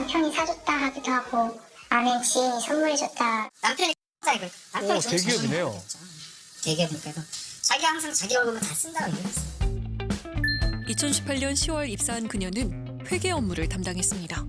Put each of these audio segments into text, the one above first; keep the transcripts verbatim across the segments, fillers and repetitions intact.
남편이 사줬다 하기도 하고 아는 지인이 선물해줬다. 남편이 X자이고 남편이 오, 대기업이네요. 대기업이니까 자기가 항상 자기 월급을 다 쓴다고 얘기했어. 이천십팔 년 시월 입사한 그녀는 회계 업무를 담당했습니다.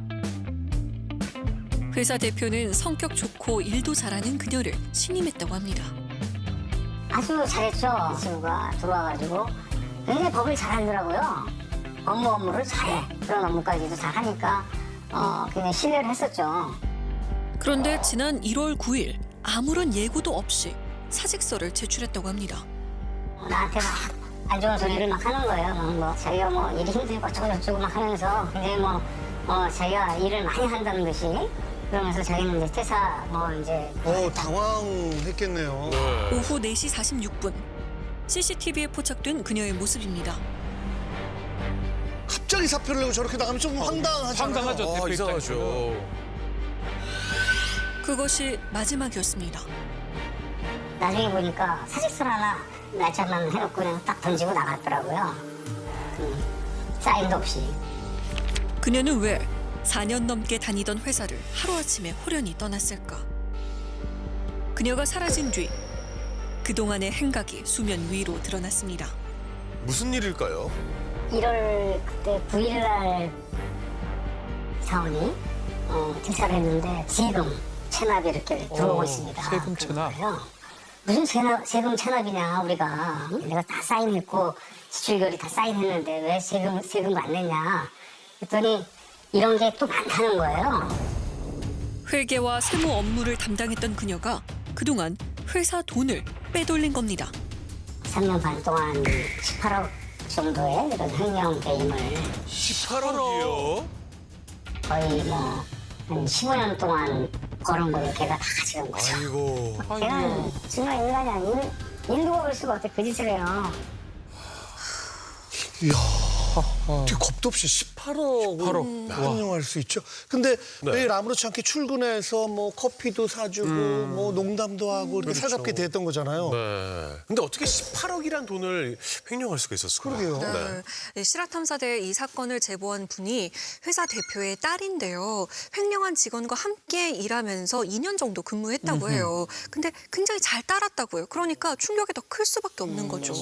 회사 대표는 성격 좋고 일도 잘하는 그녀를 신임했다고 합니다. 아주 잘했죠. 친구가 들어와가지고 굉장히 법을 잘하더라고요. 업무 업무를 잘해. 그런 업무까지도 잘하니까 어, 굉장히 신뢰를 했었죠. 그런데 지난 일월 구일 아무런 예고도 없이 사직서를 제출했다고 합니다. 나한테 막 안 좋은 소리를 막 하는 거예요. 뭐, 뭐 자기가 뭐 일이 힘들고 어쩌고저쩌고 막 하면서 굉장히 뭐 어, 자기가 일을 많이 한다는 듯이 그러면서 자기는 이제 퇴사 뭐 이제 어, 당황했겠네요. 오후 네 시 사십육 분 씨씨티비에 포착된 그녀의 모습입니다. 갑자기 사표를 내고 저렇게 나가면 좀 황당하잖아요. 황당하죠. 아, 대표 이상하죠. 입장에서는. 그것이 마지막이었습니다. 나중에 보니까 사직서 하나 날짜만 해놓고 그냥 딱 던지고 나갔더라고요. 음, 사인도 없이. 그녀는 왜 사 년 넘게 다니던 회사를 하루아침에 호련히 떠났을까? 그녀가 사라진 뒤 그동안의 행각이 수면 위로 드러났습니다. 무슨 일일까요? 일월 그때 구 일 날 사원이 어, 퇴사를 했는데 세금 체납이 이렇게 들어오고 어, 있습니다. 세금 체납. 그래서 무슨 세납, 세금 체납이냐 우리가 내가 다 사인했고 지출결이 다 사인했는데 왜 세금 세금 안 냈냐 했더니 이런 게 또 많다는 거예요. 회계와 세무 업무를 담당했던 그녀가 그동안 회사 돈을 빼돌린 겁니다. 삼 년 반 동안 십팔억 정도의 이런 횡령 게임을 십팔억이요? 거의 뭐 한 십오 년 동안 벌은 거를 걔가 다 가져간 거죠. 아이고. 걔는 정말 인간이 아닌 일도 먹을 수가 없대 그 짓을 해요. 이야, 어떻게 겁도 없이 십팔억을 십팔억. 횡령할 수 있죠. 근데 네. 매일 아무렇지 않게 출근해서 뭐 커피도 사주고 뭐 농담도 하고 이렇게 그렇죠. 살갑게 대했던 거잖아요. 네. 근데 어떻게 십팔억이란 돈을 횡령할 수가 있었을까요? 그러게요. 네, 실화탐사대 이 사건을 제보한 분이 회사 대표의 딸인데요. 횡령한 직원과 함께 일하면서 이 년 정도 근무했다고 해요. 근데 굉장히 잘 따랐다고요. 그러니까 충격이 더 클 수밖에 없는 거죠.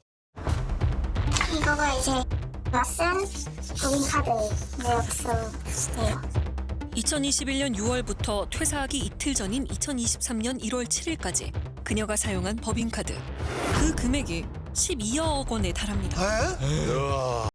이거가 이제 쓴 법인카드 내역서예요. 이천이십일 년 유월부터 퇴사하기 이틀 전인 이천이십삼 년 일월 칠일까지 그녀가 사용한 법인카드. 그 금액이 십이억 원에 달합니다. 에? 우와.